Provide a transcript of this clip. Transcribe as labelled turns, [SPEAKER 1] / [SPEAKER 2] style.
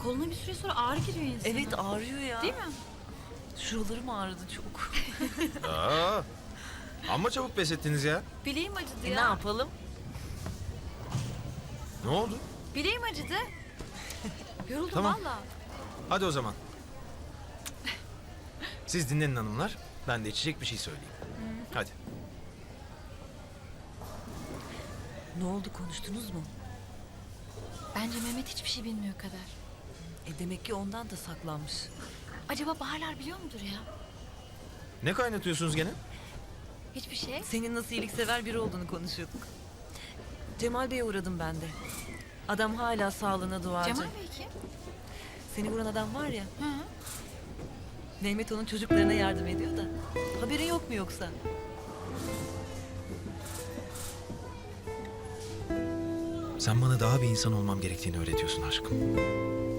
[SPEAKER 1] koluna bir süre sonra ağrı giriyor insana.
[SPEAKER 2] Evet, ağrıyor ya.
[SPEAKER 1] Değil mi?
[SPEAKER 2] Şuralarım ağrıdı çok.
[SPEAKER 3] Aa, amma çabuk pes ettiniz ya.
[SPEAKER 1] Bileğim acıdı
[SPEAKER 2] Ne
[SPEAKER 1] ya.
[SPEAKER 2] yapalım?
[SPEAKER 3] Ne oldu?
[SPEAKER 1] Bileğim acıdı. Yoruldum
[SPEAKER 3] Tamam.
[SPEAKER 1] valla.
[SPEAKER 3] Hadi o zaman. Siz dinlenin hanımlar. Ben de içecek bir şey söyleyeyim. Hadi.
[SPEAKER 2] Ne oldu, konuştunuz mu?
[SPEAKER 1] Bence Mehmet hiçbir şey bilmiyor kadar.
[SPEAKER 2] Demek ki ondan da saklanmış.
[SPEAKER 1] Acaba Baharlar biliyor mudur ya?
[SPEAKER 3] Ne kaynatıyorsunuz gene?
[SPEAKER 1] Hiçbir şey.
[SPEAKER 2] Senin nasıl iyiliksever biri olduğunu konuşuyorduk. Cemal Bey'e uğradım ben de. Adam hala sağlığına duacı.
[SPEAKER 1] Cemal Bey kim?
[SPEAKER 2] Seni vuran adam var ya.
[SPEAKER 1] Hı.
[SPEAKER 2] Mehmet onun çocuklarına yardım ediyor da. Haberin yok mu yoksa?
[SPEAKER 3] Sen bana daha bir insan olmam gerektiğini öğretiyorsun aşkım.